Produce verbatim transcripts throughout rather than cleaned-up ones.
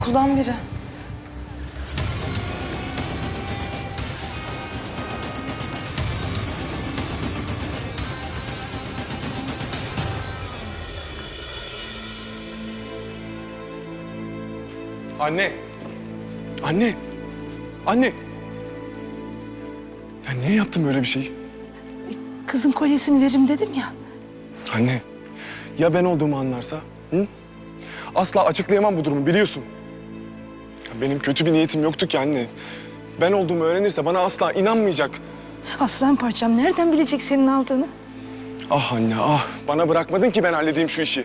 Okuldan biri. Anne. Anne. Anne. Ya niye yaptın böyle bir şeyi? Kızın kolyesini veririm dedim ya. Anne. Ya ben olduğumu anlarsa? Hı? Asla açıklayamam bu durumu biliyorsun. Ya benim kötü bir niyetim yoktu ki anne. Ben olduğumu öğrenirse bana asla inanmayacak. Aslan parçam nereden bilecek senin aldığını? Ah anne ah. Bana bırakmadın ki ben halledeyim şu işi.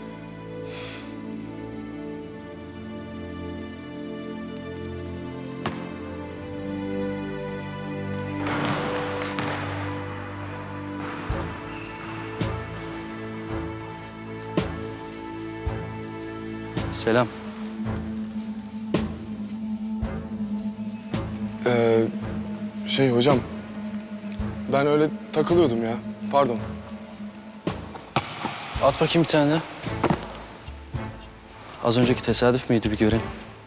Selam. Ee, şey hocam. Ben öyle takılıyordum ya. Pardon. At bakayım bir tane. Az önceki tesadüf müydü bir göreyim.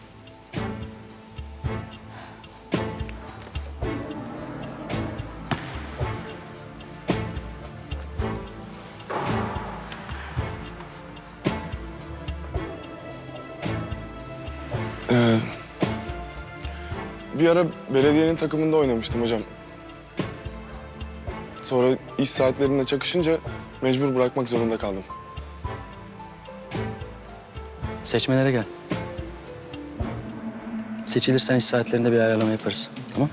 Ee, bir ara belediyenin takımında oynamıştım hocam. Sonra iş saatlerine çakışınca mecbur bırakmak zorunda kaldım. Seçmelere gel. Seçilirsen iş saatlerinde bir ayarlama yaparız. Tamam?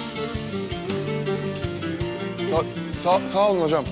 Sa sağ, sağ olun hocam.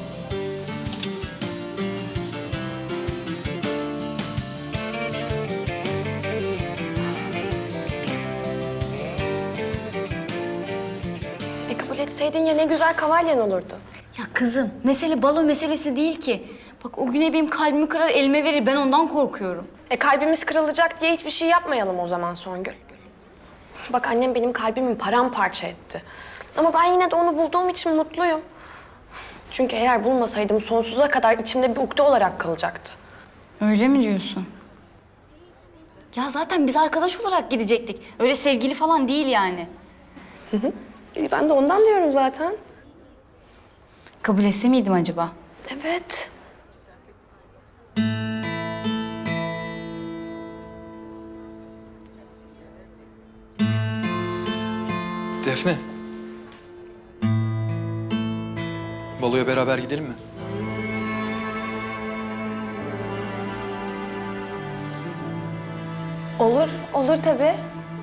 E kabul etseydin ya ne güzel kavalyen olurdu. Ya kızım, mesele balo meselesi değil ki. Bak o güne benim kalbimi kırar, elime verir. Ben ondan korkuyorum. E kalbimiz kırılacak diye hiçbir şey yapmayalım o zaman Songül. Bak annem benim kalbimi paramparça etti. Ama ben yine de onu bulduğum için mutluyum. Çünkü eğer bulmasaydım sonsuza kadar içimde bir ukde olarak kalacaktı. Öyle mi diyorsun? Ya zaten biz arkadaş olarak gidecektik. Öyle sevgili falan değil yani. E, ben de ondan diyorum zaten. Kabul etse miydim acaba? Evet. Defne. Baloya beraber gidelim mi? Olur, olur tabii.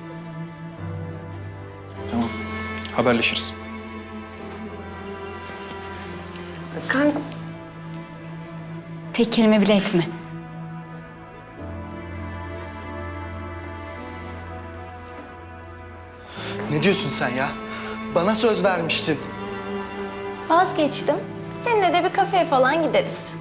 Tamam. Haberleşiriz. Kan Tek kelime bile etme. Ne diyorsun sen ya? Bana söz vermiştin. Vazgeçtim. Seninle de bir kafeye falan gideriz.